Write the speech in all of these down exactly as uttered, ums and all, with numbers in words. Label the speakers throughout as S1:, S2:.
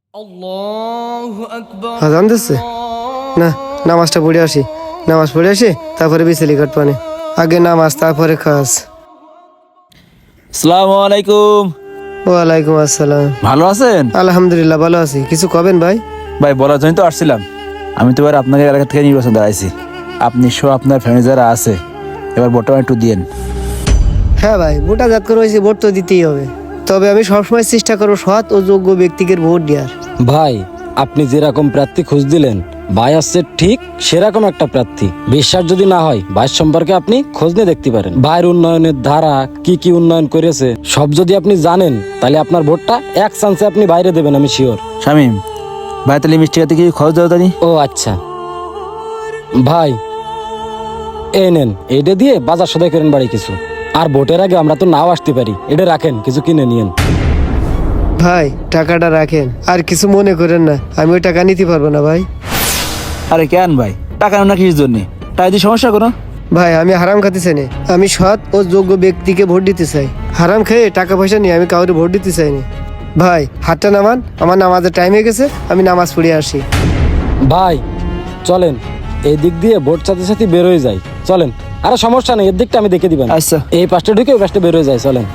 S1: আজান দিচ্ছে না, নামাজটা পড়ে আসি। নামাজ পড়ে আসি, তারপরে বিচেলি কাটপানে। আগে নামাজ, তারপরে খাস।
S2: আসসালামু আলাইকুম।
S1: ওয়ালাইকুম আসসালাম।
S2: ভালো আছেন?
S1: আলহামদুলিল্লাহ ভালো আছি। কিছু কবেন ভাই?
S2: ভাই বলার জন্য তো আসছিলাম। আমি তো এবার আপনাকে এলাকা থেকে নির্বাচন দাঁড়াইছি। আপনি সহ আপনার ফ্যামিলি যারা আছে এবার বর্তমানে একটু দিয়েন।
S1: হ্যাঁ ভাই, ভোটা জাত করে হয়েছে, ভোট তো দিতেই হবে। তবে আমি সবসময় চেষ্টা করবো সৎ ও যোগ্য ব্যক্তিকে ভোট দেওয়ার।
S3: ভাই আপনি যেরকম প্রার্থী খুঁজ দিলেন, ভাই আসছে ঠিক সেরকম একটা প্রার্থী। বিশ্বাস যদি না হয় ভাই সম্পর্কে আপনি খোঁজ নিয়ে দেখতে পারেন। ভাইয়ের উন্নয়নের ধারা কি কি উন্নয়ন করেছে সব যদি আপনি জানেন, তাহলে আপনার ভোটটা এক চান্সে আপনি বাইরে দেবেন, আমি শিওর।
S2: শামিম ভাই, তাহলে মিষ্টি খাতে কি খরচ দেওয়া জানি?
S3: ও আচ্ছা ভাই, এই নেন, এটা দিয়ে বাজার সদাই করেন বাড়ি কিছু। আর ভোটের আগে আমরা তো নাও আসতে পারি, এটা রাখেন, কিছু কিনে নিয়েন।
S1: ভাই টাকাটা রাখেন, আর কিছু মনে করেন না, আমি ওই টাকা নিতে পারবো না ভাই।
S2: আরে কেন ভাই, টাকা না কিসের জন্য? টাকা দিয়ে সমস্যা কোনো?
S1: ভাই আমি হারাম খাতে চাই না, আমি সৎ ও যোগ্য ব্যক্তিকে ভোট দিতে চাই। হারাম খেয়ে টাকা পয়সা নিয়ে আমি কাউকে ভোট দিতে চাইনি। ভাই হাতটা নামান, আমার নামাজের টাইম হয়ে গেছে, আমি নামাজ পড়ে আসি।
S3: ভাই চলেন, এই দিক দিয়ে ভোট সাথে সাথে বেরোয় যায়, চলেন। আরে সমস্যা নেই, এর দিকটা আমি দেখে দিবেন।
S2: আচ্ছা
S3: এই পাশটা ঢুকে ওই পাশটা বেরোয় যায়, চলেন।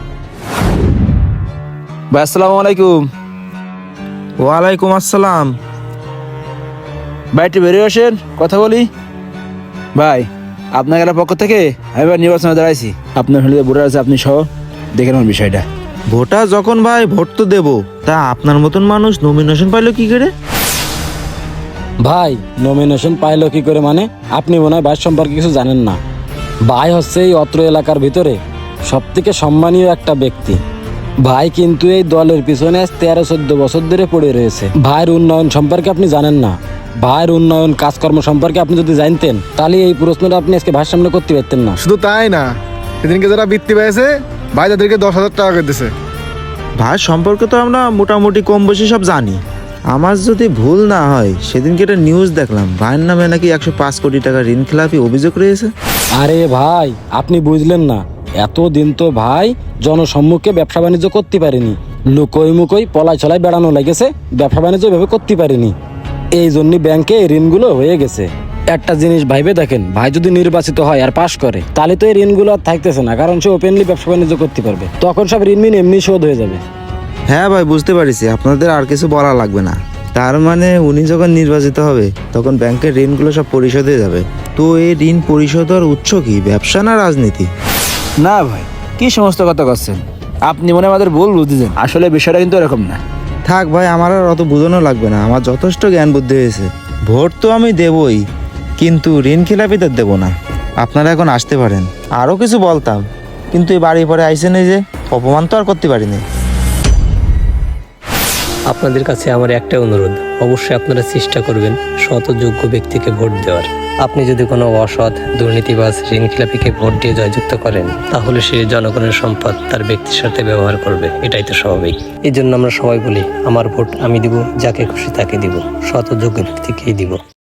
S2: ভাই আসসালামু আলাইকুম।
S4: ওয়ালাইকুম আসসালাম।
S2: ভাই একটু বেরিয়ে আসেন, কথা বলি। ভাই আপনার এলাকার পক্ষ থেকে আমি এবার নির্বাচনে দাঁড়াইছি। আপনার ফ্যামিলিতে ভোটার আছে, আপনি সহ দেখে নেন বিষয়টা।
S4: ভোটার যখন ভাই ভোট তো দেবো, তা আপনার মতন মানুষ নমিনেশন পাইলো কি করে?
S3: ভাই নমিনেশন পাইলো কি করে মানে? আপনি মনে হয় ভাই সম্পর্কে কিছু জানেন না। ভাই হচ্ছে এই অত্র এলাকার ভিতরে সব থেকে সম্মানীয় একটা ব্যক্তি। ভাই কিন্তু এই দলের পিছনে তেরো চোদ্দ বছর ধরে পড়ে রয়েছে। ভাইয়ের উন্নয়ন সম্পর্কে আপনি জানেন না। ভাইয়ের উন্নয়ন কাজকর্ম সম্পর্কে আপনি যদি জানতেন, তাহলে এই প্রশ্নটা আপনি আজকে ভাইয়ের সামনে করতে পারতেন না।
S5: শুধু তাই না, সেদিনকে যারা বৃত্তি পেয়েছে ভাই তাদেরকে দশ হাজার টাকা করে দিছে।
S4: ভাই সম্পর্কে তো আমরা মোটামুটি কম বেশি সব জানি। আমার যদি ভুল না হয়, সেদিনকে একটা নিউজ দেখলাম ভাইয়ের নামে নাকি একশো পাঁচ কোটি টাকা ঋণ খেলাপি অভিযোগ রয়েছে।
S3: আরে ভাই আপনি বুঝলেন না, এতদিন তো ভাই জনসম্মুখে ব্যবসা বাণিজ্য করতে পারেনি, লুকোই মুকোই পলাই চলাই বেড়ানো লেগেছে, ব্যবসা বাণিজ্য ভেবে করতে পারেনি। এই জন্য ব্যাংকে ঋণগুলো হয়ে গেছে। একটা জিনিস ভাইবে দেখেন, ভাই যদি নির্বাচিত হয় আর পাশ করে, তাহলে তো এই ঋণগুলো আর থাকতেছে না, কারণ সে ওপেনলি ব্যবসা বাণিজ্য করতে পারবে। তখন সব ঋণ মিন এমনি শোধ হয়ে যাবে।
S4: হ্যাঁ ভাই বুঝতে পারিছি, আপনাদের আর কিছু বলা লাগবে না। তার মানে উনি যখন নির্বাচিত হবে তখন ব্যাংকের ঋণগুলো সব পরিশোধ হয়ে যাবে। তো এই ঋণ পরিশোধের উৎস কি, ব্যবসা না রাজনীতি?
S2: না ভাই, কি সমস্ত কথা করছেন আপনি? মনে হয় আমাদের ভুল বুঝতেছেন, আসলে বিষয়টা কিন্তু এরকম না।
S4: থাক ভাই, আমার আর অত বোঝানো লাগবে না, আমার যথেষ্ট জ্ঞান বুদ্ধি হয়েছে। ভোট তো আমি দেবই, কিন্তু ঋণ খেলাপিদের দেবো না। আপনারা এখন আসতে পারেন। আরও কিছু বলতাম, কিন্তু এই বাড়ি পরে আইসেন, এই যে অপমান তো আর করতে পারিনি।
S6: আপনাদের কাছে আমার একটা অনুরোধ, অবশ্যই আপনারা চেষ্টা করবেন সৎ ও যোগ্য ব্যক্তিকে ভোট দেওয়ার। আপনি যদি কোনো অসৎ দুর্নীতিবাজ ঋণখেলাপিকে ভোট দিয়ে জয়যুক্ত করেন, তাহলে সে জনগণের সম্পদ তার ব্যক্তির সাথে ব্যবহার করবে, এটাই তো স্বাভাবিক। এই জন্য আমরা সবাই বলি, আমার ভোট আমি দিব, যাকে খুশি তাকে দিব, সৎ ও যোগ্য ব্যক্তিকেই দিব।